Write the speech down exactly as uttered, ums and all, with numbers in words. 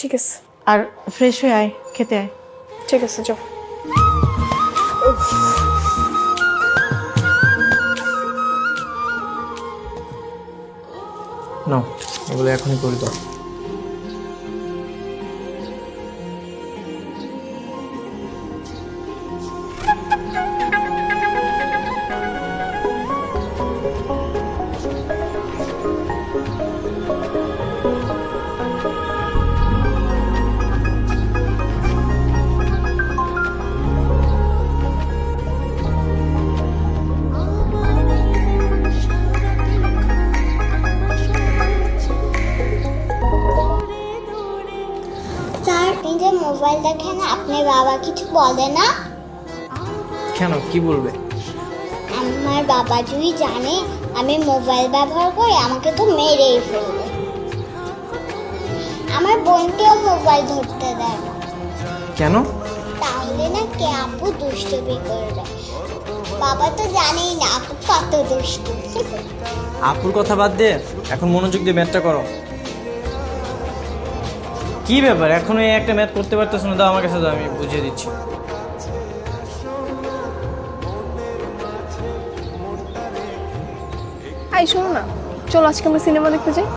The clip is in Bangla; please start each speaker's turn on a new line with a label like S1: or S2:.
S1: ঠিক আছে।
S2: আর ফ্রেশ হয়ে আয়, খেতে আয়।
S1: ঠিক আছে, যাও।
S3: নাও এগুলো এখনই করে দাও।
S4: স্যার, আপনি যে মোবাইল দেখেন আপনার বাবা কিছু বলে না?
S3: কেন, কি বলবে?
S4: আমার বাবা যদি জানে আমি মোবাইল ব্যবহার করি আমাকে তো মেরেই ফেলবে। আমার বোনকেও মোবাইল ধরতে দেয় না,
S3: কেন?
S4: তাহলে না কে আপু দুষ্টুমি করবে। বাবা তো জানেই না আপু কত দুষ্টু।
S3: আপুর কথা বাদ দে, এখন মনোযোগ দিয়ে ম্যাথটা করো। কি ব্যাপার, এখনো এই একটা ম্যাথ করতে পারতেছ না? দাও আমার কাছে, দাও, আমি বুঝিয়ে দিচ্ছি।
S1: এই শোনো না, চলো আজকে আমরা সিনেমা দেখতে যাই।